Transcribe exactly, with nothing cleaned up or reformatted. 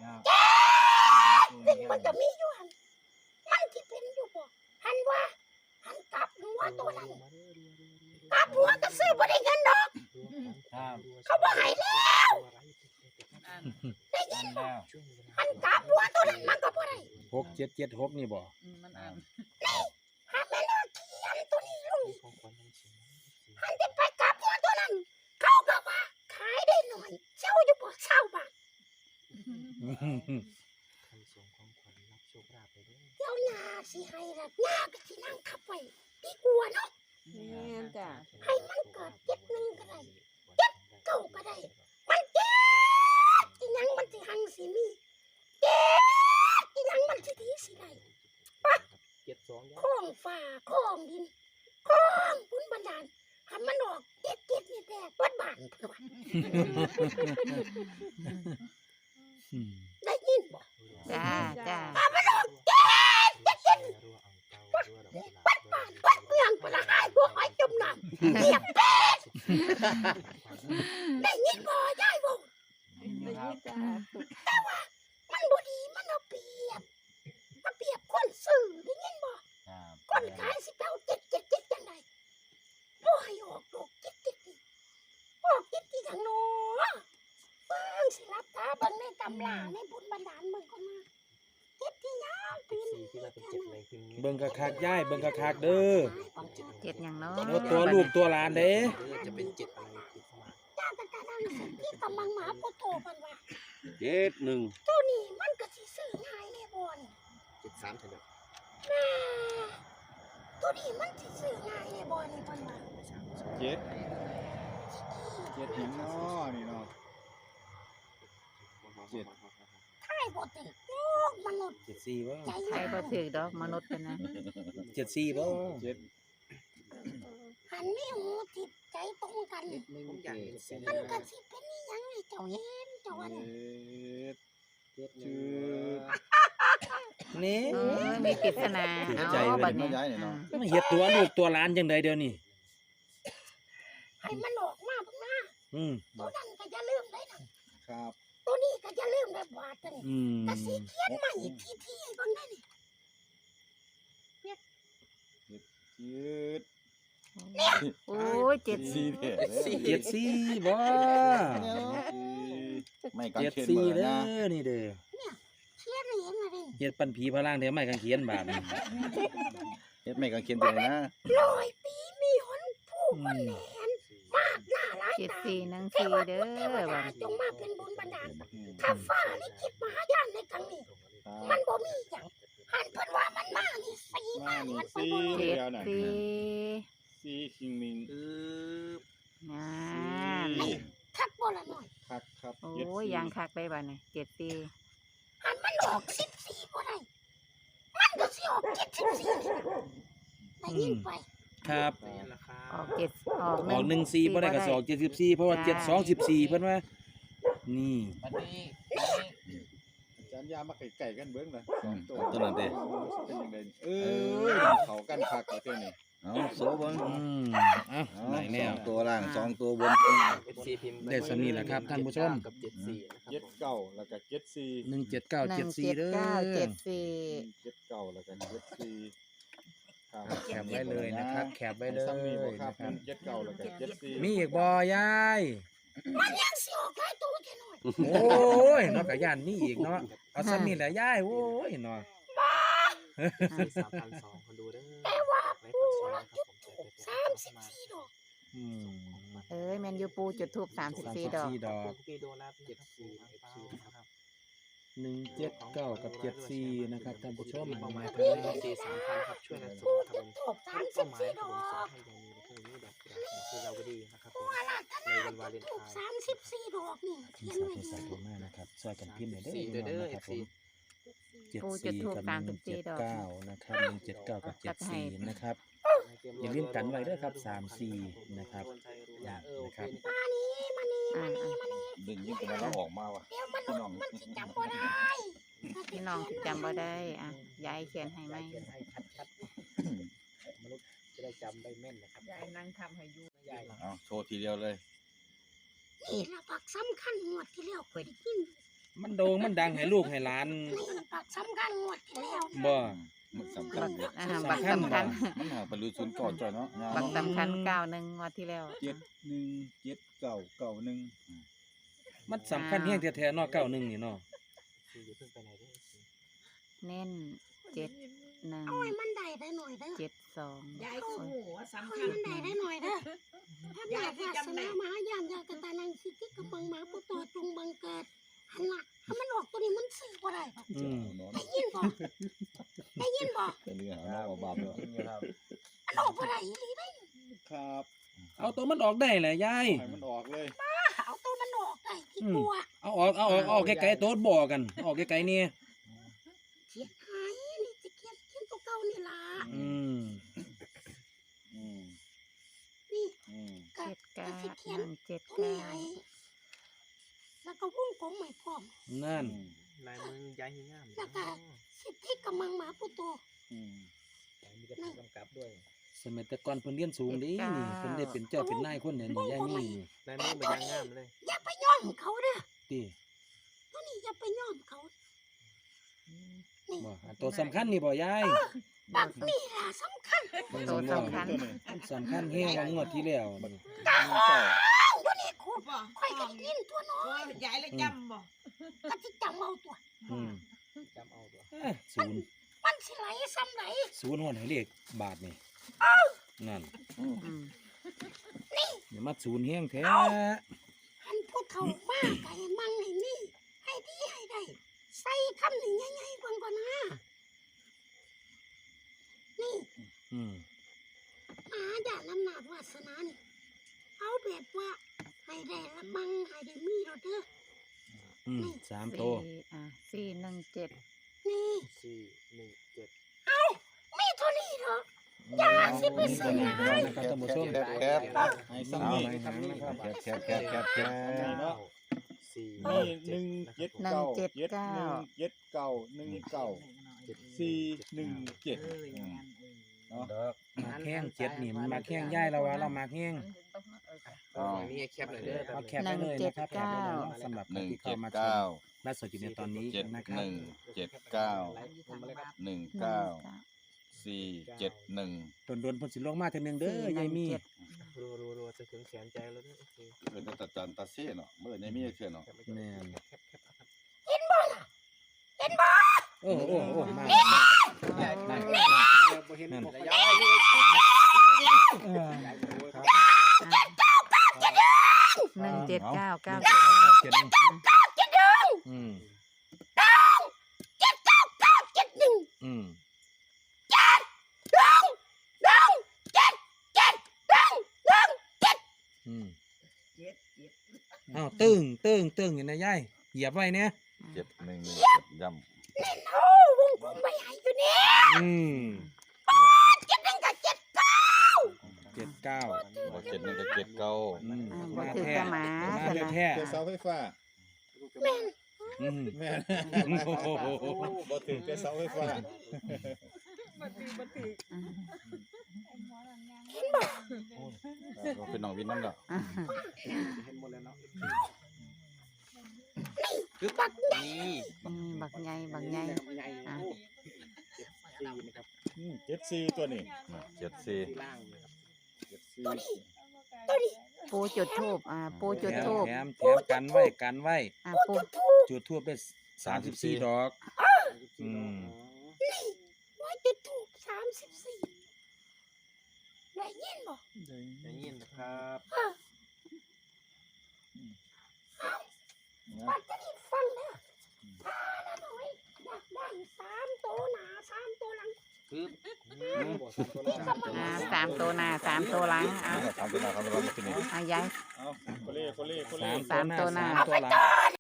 แจ๊กมันจะมีอยู่หันมันที่เป็นอยู่บ่หันว่าหันกลับหัวตัวนั้นกลับหัวก็ซื้อบ่ได้เงินดอกเขาบ่ให้แล้วได้ยินบ่หันกลับหัวตัวนั้นมันก็บ่ได้หกเจ็ดเจ็ดหกนี่บ่มันอ่านนี่หาแม่นเขียนตัวนี้ลงหันจะไปกลับหัวตัวนั้นเขาก็ว่าขายได้หน่อยเจ้าอยู่บ่เศร้าบาทเดี๋ยวหน้าสิให้ละหน้าก็สินั่งขับไปดีกว่าเนาะให้มันเกิดเจ็ดหนึ่งก็ได้เจ็ดเก้าก็ได้มันเจ็ดอีหยังมันสิหังสิมีเจ็ดอีหยังมันสิดีสิได้ปะข้องฟ้าข้องดินข้องบุญบันดาลหันมันออกเจ็ดเจ็ดนี่แดกวัดบ้านเพิ่นว่าได้ยินบ่จ้าจ้ามันออกเจ็ดเจ็ดเจ็ดวัดบ้านวัดเมืองปละหายพวกหอยจมน้ำเงียบเป็ดได้ยินบ่ยายบ่แต่ว่ามันบ่ดีมันเอาเปรียบมาเปรียบคนซื้อได้ยินบ่คนขายสิเก้าเจ็ดเจ็ดเจ็ดจังได๋บ่ให้ออกดอกเจ็ดเจ็ดนี่ออกเจ็ดที่ทางโน้เบิ่งสิรับตาเบิ่งในตำราในบุญบันดาลเบิ่งก่อนมาเจ็ดที่ยาวปีนเบิ่งกะคักย้ายเบิ่งกะคักเด้อเจ็ดอย่างเนาะตัวลูกตัวหลานเด้จะเป็นเจ็ดอะไรติดเข้ามาจ้าตะกะดังสิที่กำลังหมาพุทโธเพิ่นว่าเจ็ดหนึ่งตัวนี้มันก็สิซื้อง่ายแน่บ่นี่เจ็ดสามเท่านั้นตัวนี้มันสิซื้อง่ายแน่บ่นี่เพิ่นว่าเจ็ดเจ็ดหินเนาะนี่เนาะเจ็ดใช่บ่ติดโลกมนุษย์เจ็ดสี่บ่ใช่บ่ถือดอกมนุษย์กันนะเจ็ดสี่บ่เจ็ดหันมีหูติดใจตรงกันมันก็สิเป็นอีหยังให้เจ้าเห็นเจ้าว่าเจ็ดชื่อนี่มีปริศนาเอาบัดนี้มันเฮ็ดตัวลูกตัวหลานจังได๋เดี๋ยวนี้ให้มันออกมาเบิ่งนะอืมตัวนั้นก็อย่าลืมได้นะครับตัวนี้ก็อย่าลืมได้บาดกันอืมก็สิเขียนมาอีกทีๆให้เบิ่งได้นี่เนี่ยเจ็ดโอ้ยเจ็ดสี่เด้อเจ็ดสี่บ่ไม่กันเจ็ดสี่เด้อนี่เด้อเนี่ยเขียนให้เห็นมาดิเฮ็ดปันผีพลังแถวไม้กางเขนบาดนี้เฮ็ดไม่กันเขียนไปเลยนะร้อยปีมีหนผู้คนแหนมากหน้าหลายตาเจ็ดสี่หนึ่งสี่เด้อบัดจงมาเป็นบุญบันดาลถ้าฟ้าลิขิตมหายานในครั้งนี้มันบ่มีหยังหันเพิ่นว่ามันมานี่สี่มานี่มันสี่เจ็ดสี่สี่คิงมิงอือน่าคักบ่ละหน่อยคักครับโอ้ยยังคักไปบัดนี้เจ็ดสี่หันมันออกสิบสี่บ่ได้มันก็สิออกเจ็ดสิบสี่ได้ยินไปครับออกเจ็ดออกออกหนึ่งสี่บ่ได้ก็สองเจ็ดสิบสี่เพราะว่าเจ็ดสองสิบสี่เพิ่นว่านี่อาจารย์ยามาไก่ๆกันเบิ่งล่ะสองตัวตัวนั้นเด้เป็นจังได๋เออเขากันคักเอาเท่านี้เอาโซเบิ่งอืมเอ้าได้แล้วตัวล่างสองตัวบนได้สำนี้แหละครับท่านผู้ชมกับเจ็ดสี่นะครับเจ็ดเก้าแล้วก็เจ็ดสี่หนึ่งเจ็ดเก้าเจ็ดสี่เด้อเจ็ดสี่เจ็ดเก้าแล้วก็เจ็ดสี่แคปไว้เลยนะครับแคปไว้เลยนะครับเจ็ดเก้าแล้วก็เจ็ดสี่มีอีกบ่ยายมันยังสิออกหลายตัวแค่น้อยโอ้ยเนาะก็ย่านมีอีกเนาะเอาซ้ำนี่แหละยายโอ้ยเนาะสามพันสองคนดูเด้อแต่ว่าปูจุดทูบสามสิบสี่ดอกอืมเอ้ยแมนยูปูจุดทูบสามสิบสี่ดอกดอกเจ็ดสี่นะครับหนึ่งเจ็ดเก้ากับเจ็ดสี่นะครับท่านผู้ชมประมาณเท่าไหร่สี่สามพันครับช่วยกันส่งทำทูบสามสิบสี่ดอกคือเราก็ดีนะครับในวันวาเลนไทน์สามสิบสี่ดอกนี่เขียนไว้สาธุมากนะครับช่วยกันพิมพ์หน่อยเด้อนะครับผมเจ็ดสี่กับหนึ่งเจ็ดเก้านะครับหนึ่งเจ็ดเก้ากับเจ็ดสี่นะครับอย่าลืมกันไว้ด้วยครับสามสี่นะครับนะครับมานี่มานี่มานี่มานี่ดึงยิ่งกว่าเราออกมาว่ะเดี๋ยวมันมันสิจำบ่ได้พี่น้องสิจำบ่ได้อ่ะยายเขียนให้ไหมมนุษย์จะได้จำได้แม่นนะครับยายนั่งทำให้อยู่ยายเอาโชว์ทีเดียวเลยนี่ละปักสำคัญหมดที่แล้วเคยได้ยินมันโด่งมันดังให้ลูกให้หลานนี่บักสำคัญงวดที่แล้วบ่มันสำคัญอยู่อ่าบักสำคัญมันหาบรรลุศูนย์ก่อนจ่อยเนาะบักสำคัญเก้าหนึ่งงวดที่แล้วเจ็ดหนึ่งเจ็ดเก้าเก้าหนึ่งมันสำคัญแฮงแท้ๆเนาะเก้าหนึ่งนี่เนาะสี่อย่าเพิ่งไปไหนเด้อเน้นเจ็ดหนึ่งเอาให้มันได้ได้หน่อยเด้อเจ็ดสองยายคือหัวเอาสำให้คัญมันได้ได้หน่อยเด้อถ้าอยากวาสนามหายามอยากกตานังสิทธิกำบังหมาผู้ตัวจงบังเกิดหันละถ้ามันออกตัวนี้มันซื้อบ่ได้หรอกอืมได้ยินบ่ได้ยินบ่เป็นเรื่องหาเนาะบาปเนาะมันออกบ่ได้อีหลีได้ครับเอาตัวมันออกได้แหละยายให้มันออกเลยเอาตัวมันออกได้ที่กลัวเอาออกเอาออกเอาออกไกลๆโต๊ดบ่กันออกไกลๆนี่เขียนหายนี่จะเขียนเขียนตัวเก่านี่ล่ะอืมอืมนี่อืมก็เจ็ดเก้าก็สิเขียนหนึ่งเจ็ดตัวนี้เก้าให้แล้วก็วงกลมให้พร้อมนั่นลายมือยายงามแล้วก็สิทธิกำบังหมาผู้ตัวอืมมีแต่ผู้กำกับด้วยสมัยแต่ก่อนเพิ่นเรียนสูงเดินี่เพิ่นได้เป็นเจ้าเป็นนายคนเนี่ยนี่ยายมีนี่ลายมือมันยางงามเลยอย่าไปย้อมเขาเด้อติตัวนี้อย่าไปย้อมเขานี่บ่อันตัวสำคัญนี่บ่ยายบักนี่ล่ะสำคัญตัวสำคัญมันสำคัญแฮงกว่างวดที่แล้วนี่หนึ่งเก้าตัวนี้คุณบ่ค่อยกันยินตัวน้อโอ้ยยยายเลยจำบ่ก็สิจำเอาตัวอืมจำเอาตัวเอ้ยศูนย์มันสิไหลซ้ำไหลศูนย์ฮอดให้เลขบาทนี่นั่นอืมอย่ามาศูนย์แฮงแท้หันผู้เฒ่ามากไก่มั่งให้นี่ให้ดีให้ได้ใส่คำหนึ่งใหญ่ๆกว่าก่อนนะนี่อืมหาด่านอำนาจวาสนานี่เอาแบบว่าให้ได้ละมั่งให้ได้มีเราเด้ออืมสามโตสี่อ่าสี่หนึ่งเจ็ดนี่สี่หนึ่งเจ็ดมีเท่านี้เหรออย่าสิไปซื้อหลายนะครับท่านผู้ชมแคบแคบให้ซ้ำนี่แคบแคบแคบแคบแคบเนาะสี่นี่หนึ่งเจ็ดเก้าเจ็ดหนึ่งเจ็ดเก้าหนึ่งเก้าสี่หนึ่งเจ็ดเนาะมาแข้งเจ็ดนี่มันมาแข้งย่ายเราว่าเรามาแข้งฝั่งนี้แคปเลยเด้อเอาแคปไปเลยนะครับแคปไปเลยเนาะสำหรับหนึ่งที่เจ็เข้าดมาชเก้ามและสดอยู่ในตอนนี้เจ็ดนะคหรับนึ่งเจ็ดเก้าหนึ่งหนึ่งเก้าเก้าสี่เจ็ดหนึ่งโดนโดนๆเพ่นสิลงมาเทอนึงเด้อยายมีสี่หนึ่งเจ็ดรัวรัวรัวจะถึงแสนใจแล้วเนี่ยโอเคเออตัดจานตัดเส้นเนาะเมื่อในมีเส้นเนาะแม่นแคปแคปครับเห็นบ่ล่ะเห็นบ่โอ้โอ้โอ้มาได้ได้ได้ได้บ่เห็นนั่นบ่ยายเออหนึ่งเจ็ดเก้าเก้าเจ็เจ็ดดเจ็ดหนึ่งอืมเจ็ดเก้าเก้าเจ็ดหนึ่งอืมหนึ่งหนึ่งเจ็ดเจ็ดหนึ่งหนึ่งเจ็ดอืมเจ็ดเจ็ดอ้าวตึ้งตึ้งตึ้งอยู่นะยายเหยียบไว้เนี่ยเจ็ดหนึ่งเจ็ดย่เล่นโอ้วงกลมไม่หายอยู่นี่อืมเจ็ดหนึ่งกับเจ็ดเก้าเจ็ดเก้าำเจ็ดหนึ่งกับเจ็ดเก้าอืมอ่าบ่มาถือแท้กระหมามาสนะแท้เจ้าเสาไฟฟ้าแม่นอืมแม่โอ้โหบ่ถึงเจ้าเสาไฟฟ้าบ่ถือบ่ถืออืมเป็นน้องวินนั่นแหละอ่าเห็นหมดแล้วเนาะบักนี่อืมบักใหญ่บักใหญ่ใหญ่อ่ะเจ็ดสี่นะครับเจ็ดสี่ตัวนี้เจ็ดสี่ที่ล่างนะครับเจ็ดสี่ตัวนี้ปูจุดทูบอ่าปูจุดแถมทูบแถมแถมกันไว้กันไว้อ่าปูจุดทูบได้สามสิบสี่ดอก อืมว่าจะถูกสามสิบสี่ได้ยินบ่อย่างนี้นะครับว่าจะได้ฟังนะถ้าละหน่อยอยากได้สามตัวหนาสามตัวหลังปึ๊บนี่บอกสามตัวล่างอ่าสามตัวหน้าสามตัวหลังอ่าทำตัวหน้าทำตัวหลังที่นี่อ่ายายเอาโคเล่โคเล่โคเล่สามตัวหน้าสามตัวหลัง